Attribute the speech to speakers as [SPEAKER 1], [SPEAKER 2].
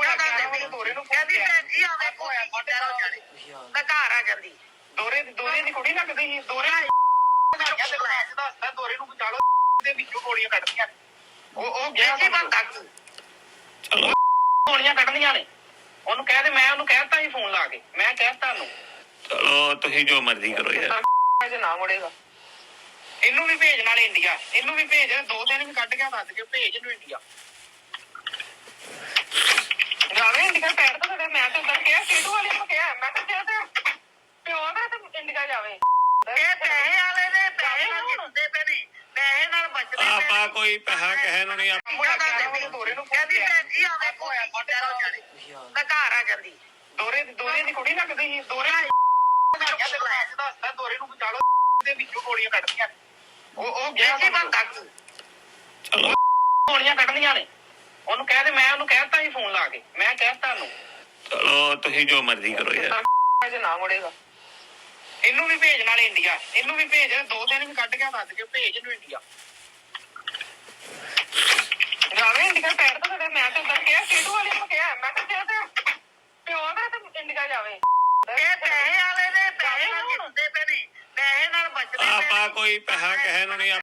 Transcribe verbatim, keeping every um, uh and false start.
[SPEAKER 1] ਕਹਿੰਦੀ ਭੈਣ ਜੀ ਆਵੇ ਕੋਈ ਹੋ ਜਾਣੀ ਮੈਂ ਘਰ ਆ ਜਾਂਦੀ ਦੋਰੇ ਦੋਰੇ ਦੀ ਕੁੜੀ ਲੱਗਦੀ ਸੀ ਦੋਰੇ ਦੱਸਦਾ ਦੋਰੇ ਨੂੰ ਬਚਾ ਲਓ ਦੇ ਵਿੱਚੋਂ ਗੋਲੀਆਂ ਕੱਢਦੀਆਂ ਉਹ ਉਹ ਗਿਆ ਸੀ ਬੰਦਾ ਚਲੋ ਗੋਲੀਆਂ ਕੱਢਦੀਆਂ ਨੇ ਉਹਨੂੰ ਕਹਿ ਦੇ ਮੈਂ ਉਹਨੂੰ ਕਹਿਤਾ ਸੀ ਫੋਨ ਲਾ ਕੇ ਮੈਂ ਕਹਿਤਾ ਉਹਨੂੰ ਚਲੋ ਤੁਸੀਂ ਜੋ ਮਰਜ਼ੀ ਕਰੋ ਯਾਰ ਨਾ ਮੁੜੇਗਾ ਇਹਨੂੰ ਵੀ ਭੇਜ ਨਾਲ ਇੰਡੀਆ ਇਹਨੂੰ ਵੀ ਭੇਜ ਦੋ ਦਿਨ ਵੀ ਕੱਢ ਕੇ ਦੱਸ ਕੇ ਭੇਜ ਇਹਨੂੰ ਇੰਡੀਆ ਜਾਵੇ ਇੰਡੀਆ ਪੈਰ ਤਾਂ ਸਾਡੇ ਮੈਂ ਤਾਂ ਉਧਰ ਕਿਹਾ ਸੀਟੂ ਵਾਲੇ ਨੂੰ ਕਿਹਾ ਮੈਂ ਤਾਂ ਕਿਹਾ ਤੇ ਪਿਓ ਦਾ ਤੇ ਇੰਡੀਆ ਜਾਵੇ ਇਹ ਪੈਸੇ ਵਾਲੇ ਨੇ ਪੈਸੇ ਨਾਲ ਜਿੱਤਦੇ ਪਏ ਨੇ ਪੈਸੇ ਨਾਲ ਬਚਦੇ ਆਪਾਂ ਕੋਈ ਪੈਸਾ ਕਹਿ ਨੂੰ ਨਹੀਂ ਕਹਿੰਦੀ ਭੈਣ ਜੀ ਆਵੇ ਕੋਈ ਹੋ ਜਾਣੀ ਮੈਂ ਘਰ ਆ ਜਾਂਦੀ ਦੋਰੇ ਦੋਰੇ ਦੀ ਕੁੜੀ ਲੱਗਦੀ ਸੀ ਦੋਰੇ ਦੱਸਦਾ ਦੋਰੇ ਨੂੰ ਬਚਾ ਲਓ ਦੇ ਵਿੱਚੋਂ ਗੋਲੀਆਂ ਕੱਢਦੀਆਂ ਉਹ ਉਹ ਗਿਆ ਸੀ ਬੰਦਾ ਚਲੋ ਗੋਲੀਆਂ ਕੱਢਦੀਆਂ ਨੇ ਉਹਨੂੰ ਕਹਿ ਦੇ ਮੈਂ ਉਹਨੂੰ ਕਹਿਤਾ ਸੀ ਫੋਨ ਲਾ ਕੇ ਮੈਂ ਕਹਿਤਾ ਉਹਨੂੰ ਚਲੋ ਤੁਸੀਂ ਜੋ ਮਰਜ਼ੀ ਕਰੋ ਯਾਰ ਨਾ ਮੁੜੇਗਾ ਇਹਨੂੰ ਵੀ ਭੇਜ ਨਾਲ ਇੰਡੀਆ ਇਹਨੂੰ ਵੀ ਭੇਜ ਦੋ ਦਿਨ ਵੀ ਕੱਢ ਕੇ ਦੱਸ ਕੇ ਭੇਜ ਇਹਨੂੰ ਇੰਡੀਆ ਜਾਵੇ ਇੰਡੀਆ ਪੈਰ ਤਾਂ ਸਾਡੇ ਮੈਂ ਤਾਂ ਉਧਰ ਕਿਹਾ ਸੀਟੂ ਵਾਲੇ ਨੂੰ ਕਿਹਾ ਮੈਂ ਤਾਂ ਕਿਹਾ ਤੇ ਪਿਓ ਦਾ ਤੇ ਇੰਡੀਆ ਜਾਵੇ ਇਹ ਪੈਸੇ ਵਾਲੇ ਨੇ ਪੈਸੇ ਨਾਲ ਜਿੱਤਦੇ ਪਏ ਨੇ ਪੈਸੇ ਨਾਲ ਬਚਦੇ ਆਪਾਂ ਕੋਈ ਪੈਸਾ ਕਹਿ ਨੂੰ ਨਹੀਂ